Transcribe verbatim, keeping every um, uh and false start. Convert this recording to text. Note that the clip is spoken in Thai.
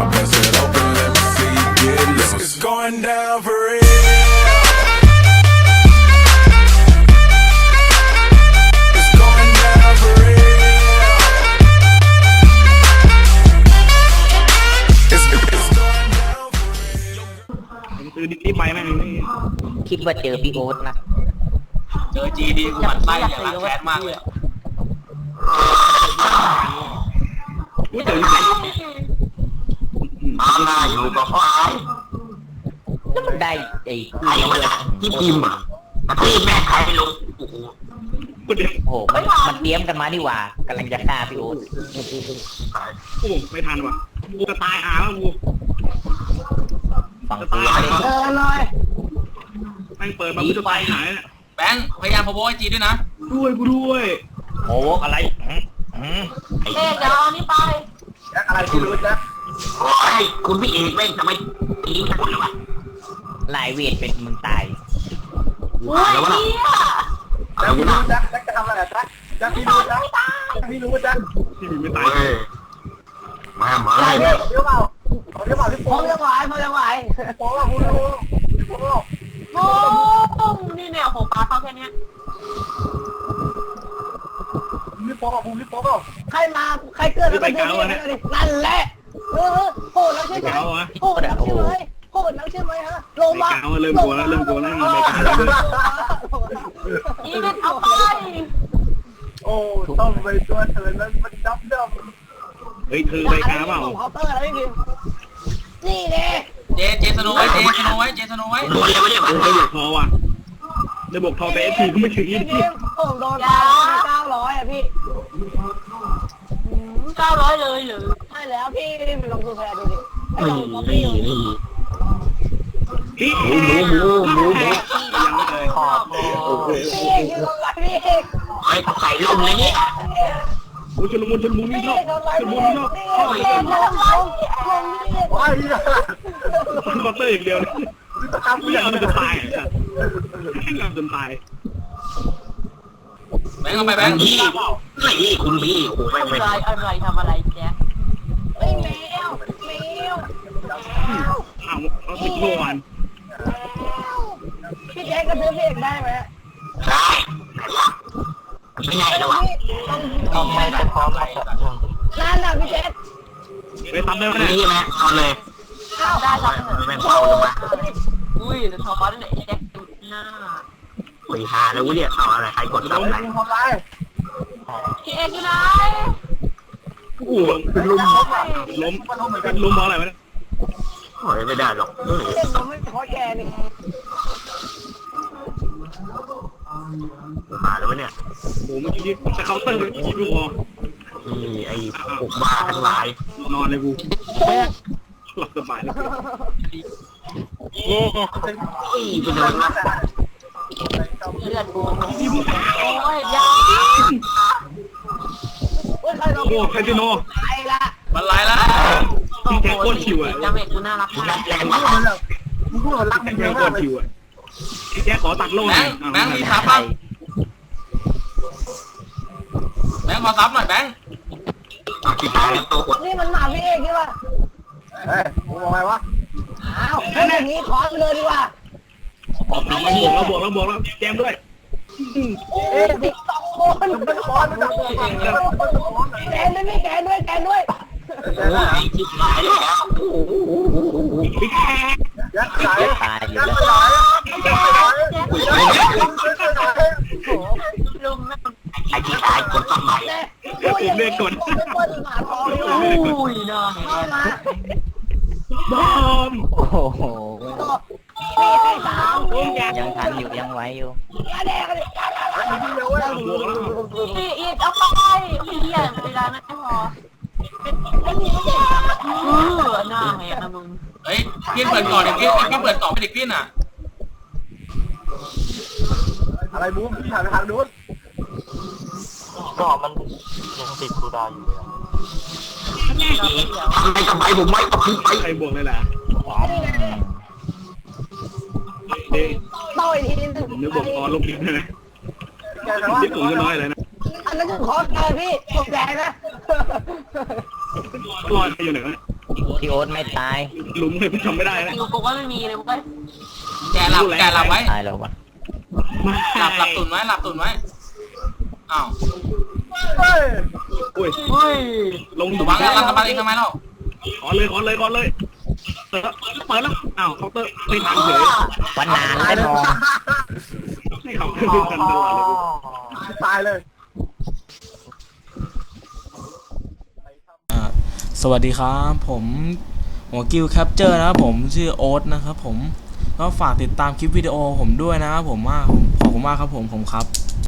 Now bust it open, let me see you get loose. It's going down for real. It's going down for real. It's, it's going down for real. ซื้อดิไปแม่งนี่คิดว่าเจอพี่โอ๊ตนะเจอจีดีกูหมั่นไส้อย่างรักแค้นมากเลยกูเจอที่ไหนมาหน้าอยู่กับพ่อไอ้แล้วมันได้ไอ้ไอ้มันที่พิมพ์อ่ะกระทืบแม่ใครไม่รู้โอ้โหกูเดี๋ยวโอ้โหมันมันเตรียมกันมาดีกว่ากำลังจะฆ่าพี่โอ๊ตกูไม่ทันว่ะกูจะตายหาแล้วกูฝั่งจะกูตายไม่ได้เออเลยแม่งเปิดมากูจะตายหายเนี่ยแบงค์พยายามพะโว้ไอจีด้วยนะด้วยกูด้วยโอ้อะไรอืมอืมเอ๊ะเดี๋ยวเอานี่ไปอะไรที่รู้นะโอ้ยคุณพี่เอกแม่งทำไมตีกันเลยวะลายเวทเป็นมึงตายอุ้ยเฮียแล้วพี่รู้จักจะทำอะไรจ๊ะจะพี่รู้จักพี่รู้จักที่มีไม่ตายมามาเดี๋ยวเดี๋ยวเปล่าเดี๋ยวเปล่าพี่โป๊ะพอจะไหวพอจะไหวโป๊ะคุณรู้พี่โป๊ะโอ้นี่เนี่ยโหปลาเข้าแค่นี้พี่โป๊ะคุณพี่โป๊ะใครมาใครเกิดแล้วไปดูนี่นั่นแหละเออโหดแล้วใช่ไหมโหดแล้วใช่ไหมโหดแล้วใช่ไหมฮะลงไปมากาวเริ่มกลัวแล้วเริ่มกลัวแล้วไปกาวแล้วอีเวนเอาไปโอ้ต้องไปตัวเธอนั้นมันดับดับเฮ้ยเธอไปกาวเปล่าเคาน์เตอร์อะไรพี่นี่เด้เจเจสโนไว้เจสโนไว้เจสโนไว้รู้เลยว่าเนี่ยเออได้บวกทอว่ะได้บวกทอไปเอฟพีก็ไม่ถึงยี่สิบผมโดนไปเก้าร้อยอ่ะพี่เก้าร้อยเลยหรือใช่แล้วพี่ไปลงตัวแพรดูดิไอ้ลงป๊อปปี้พี่หมูหมูหมูหมูหมูยังไม่เลยขอบพี่เอกยืนลงไปพี่เอกไอ้ไข่ลงเลยเนี่ยโอ้ชุลมุนชุลมุนไม่พี่ชอเอบ กลงไปชุลพี่มุนเอไม่กชอบพี่เอกลงลงลงพี่เอกว้ายฟันคอเตอร์อย่างเดียวเลยทำไม่เรื่ยองอมมันจะจะตาตาย ยอ่ะไม่ยอมจนตายแบงค์เอาไปแบงค์นี่นี่คุณพี่โอ้โหอะไม่ไรไม่อะไรทำอะไรแจ๊คเฮ้ยแมวแมวเอาเอาติดโลวันพี่แจ๊คกระทืบพี่เอกได้ไหมได้ไม่ไงเลยวะทำไมจะพร้อมมาแบบนึงนั่นน่ะพี่แจ๊คไปทำได้ไหมนี่เนี่ยไหมเอาเลยอ้าวได้ครับไม่เฝ้าลงมาอุ้ยแล้วทอดเนี่ยแจ๊คจุดหน้าโอ้ยหาแล้วเนี่ยเอาอะไรใครกดซับอะไรพี่เอกอยู่ไหนโอ้โหล้มล้มล้มเพราะอะไรวะเนี่ยโอ้ยไม่ได้หรอกพี่เอกผมไม่พอแกนี่หาแล้วเนี่ยโอ้โหเมื่อกี้จะเคาน์เตอร์คิดดูพอนี่ไอ้พวกบ้าทั้งหลายนอนเลยกูหลับสบายเลยโอ้ยไปโดนมาเลือดกูโอ้ยยาโอ้ยใครลงโอ้คาสิโนไปละมันไล่ละพี่แจ็คโคตรชิวอ่ะจาเมกกูน่ารักแรงแรงมากมึงพูดมันรักพี่เยแจ็คอะโคมากตรชิวอ่ะพี่แจ็คขอตัดโล่แบหน่อง ยค์แบงค์มีซับบ้างแบงค์ขอซับหน่อยแบงค์ที่ตายแล้วตัวกดนี่มันหมาพี่เอกใช่ป่ะเฮ้ยมึงบอกไงวะอ้าวถ้าอย่างนี้ขอเลยดีกว่าเราบวกเราบวกแล้วแจมด้วยเอ๊ะดิสองคนมันคอนมันจับตัวแกนด้วยแกนด้วยแกนด้วยโอ้ยที่ตายแล้วพี่แจ็คยัดไหลตายอยู่ยัดแล้วไหลยัดไหลลุมแม่ไอ้ที่ตายกดซับใหม่ผมเรียกก่อนเป็นคนหมาทองเลยอุ้ยน่าเห็นมาบอมโอ้โหมีให้สามยังทันอยู่ยังไหวอยู่ยาแดงเลยบวกแล้วอีอีกเอาไปพี่เหี้ยเวลาไม่พอเป็นนี่เด็กเออหน้าแหกนะมึงเฮ้ยพี่เปิดก่อนเด็กพี่พี่เปิดก่อนไม่เด็กพี่น่ะอะไรบูมพี่หันไปทางนู้นก็มันยังติดคูดาวอยู่เลยทำไมทำไมผมไม่ตกไปใครบวกเลยล่ะเด็กต่อยทีนึงผมนึกบอกตอนลงดินนะที่ผมจะน้อยเลยนะอันนั้นคือขอแกพี่ผมแดงนะลอยไปอยู่ไหนวะพี่โอ๊ตไม่ตายหลุมเลยทำไม่ได้นะอยู่กูก็ไม่มีเลยมึงก็แกหลับแกหลับไว้ตายแล้ววะหลับหลับตุนไว้หลับตุนไว้อ้าวอุ้ยเฮ้ยลงวางแล้วรันกำบังเองทำไมเล่าขอเลยขอเลยขอเลยเปิดเปิดแล้วอ้าวเคาน์เตอร์ไม่ทันเฉยวันนานได้มองให้เขาขึ้นกันตลอดเลยตายเลยอ่าสวัสดีครับผมหัวกิลแคปเจอร์นะครับผมชื่อโอ๊ตนะครับผมก็ฝากติดตามคลิปวิดีโอผมด้วยนะครับผมมากขอบคุณมากครับผมผมครับ